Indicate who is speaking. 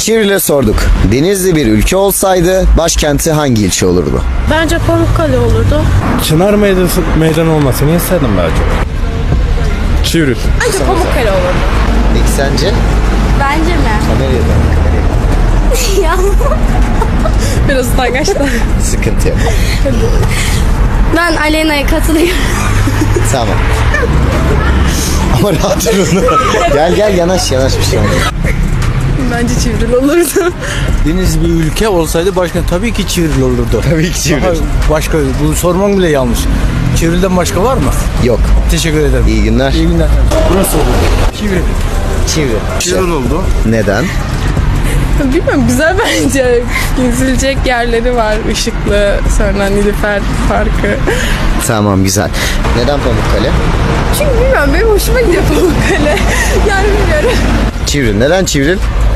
Speaker 1: Çivril'e sorduk. Denizli bir ülke olsaydı başkenti hangi ilçe olurdu?
Speaker 2: Bence Pamukkale olurdu.
Speaker 3: Çınar meydanı olmasını isterdim daha çok. Çivril.
Speaker 2: Bence Pamukkale olurdu.
Speaker 1: Peki sence?
Speaker 4: Bence mi?
Speaker 1: Kameraya bak.
Speaker 4: Ya.
Speaker 2: Biraz utangaçlar.
Speaker 1: Sıkıntı yok.
Speaker 4: Ben Aleyna'ya katılıyorum.
Speaker 1: Tamam. Ama rahat durun. Gel yanaş bir şey olmaz.
Speaker 2: Bence Çivril olurdu.
Speaker 3: Deniz bir ülke olsaydı başka tabii ki Çivril olurdu.
Speaker 1: Tabii ki Çivril.
Speaker 3: Daha başka, bunu sormam bile yanlış. Çivril'den başka var mı?
Speaker 1: Yok.
Speaker 3: Teşekkür ederim.
Speaker 1: İyi günler.
Speaker 3: İyi günler. Burası oldu. Çivril.
Speaker 1: Çivril.
Speaker 3: oldu.
Speaker 1: Neden?
Speaker 2: Bilmiyorum, güzel bence. Gezilecek yerleri var. Işıklı, sonra Nilüfer Parkı.
Speaker 1: Tamam, güzel. Neden Pamukkale?
Speaker 2: Çünkü bilmiyorum, benim hoşuma gidiyor Pamukkale. Yani bilmiyorum.
Speaker 1: Çivril. Neden Çivril?